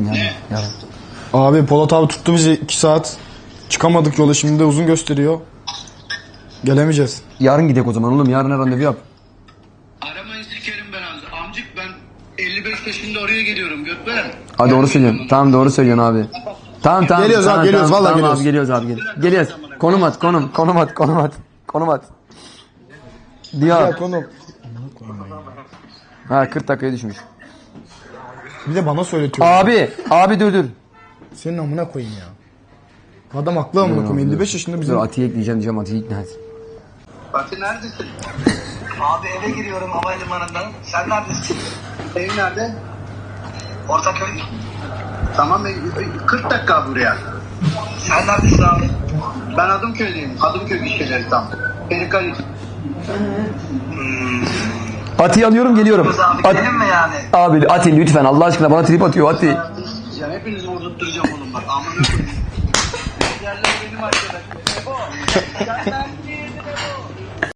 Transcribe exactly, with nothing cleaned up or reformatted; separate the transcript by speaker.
Speaker 1: yarın. Yarın.
Speaker 2: Abi Polat abi tuttu bizi iki saat. Çıkamadık yola, şimdi de uzun gösteriyor. Gelemeyeceğiz.
Speaker 1: Yarın gidelim o zaman oğlum. Yarın randevu yap.
Speaker 3: Aramayın sikerim ben abi. Amcık ben elli beş yaşında oraya geliyorum Gökberen.
Speaker 1: Ha doğru söylüyorsun. Tamam doğru söylüyorsun abi. Tamam tamam.
Speaker 2: Geliyoruz
Speaker 1: tamam,
Speaker 2: abi, geliyoruz,
Speaker 1: tamam,
Speaker 2: vallahi
Speaker 1: tamam,
Speaker 2: geliyoruz.
Speaker 1: Abi, geliyoruz abi geliyoruz. Geliyoruz. Konum at konum. Konum at konum at. Konum at. Diyor.
Speaker 2: Ya konu.
Speaker 1: Ha kırk dakikaya düşmüş.
Speaker 2: Bir de bana söyletiyor.
Speaker 1: Abi. Abi dur dur.
Speaker 2: Senin amına koyayım ya. Adam haklı amına koyayım. elli beş yaşında bizim.
Speaker 1: Dur Atiye ekleyeceğim diyeceğim. Atiye ikna et.
Speaker 3: Fatih neredesin?
Speaker 4: Abi eve giriyorum havalimanından. Sen neredesin?
Speaker 3: Ev nerede?
Speaker 4: Ortaköy.
Speaker 3: Tamam e, kırk dakika buraya.
Speaker 4: Sen neredesin abi?
Speaker 3: Ben Adımköy'deyim. Adımköy gişeleri tam. Perikali.
Speaker 1: Atiye alıyorum geliyorum.
Speaker 4: Kız abi
Speaker 1: At-
Speaker 4: gidelim mi yani?
Speaker 1: Abi Ati lütfen Allah aşkına bana trip atıyor Ati.
Speaker 3: Ya hepinizi vurdurtturacağım oğlum bak. Amına koyayım. Yerler benim arkadaşım. Ebo. Sen neredesin?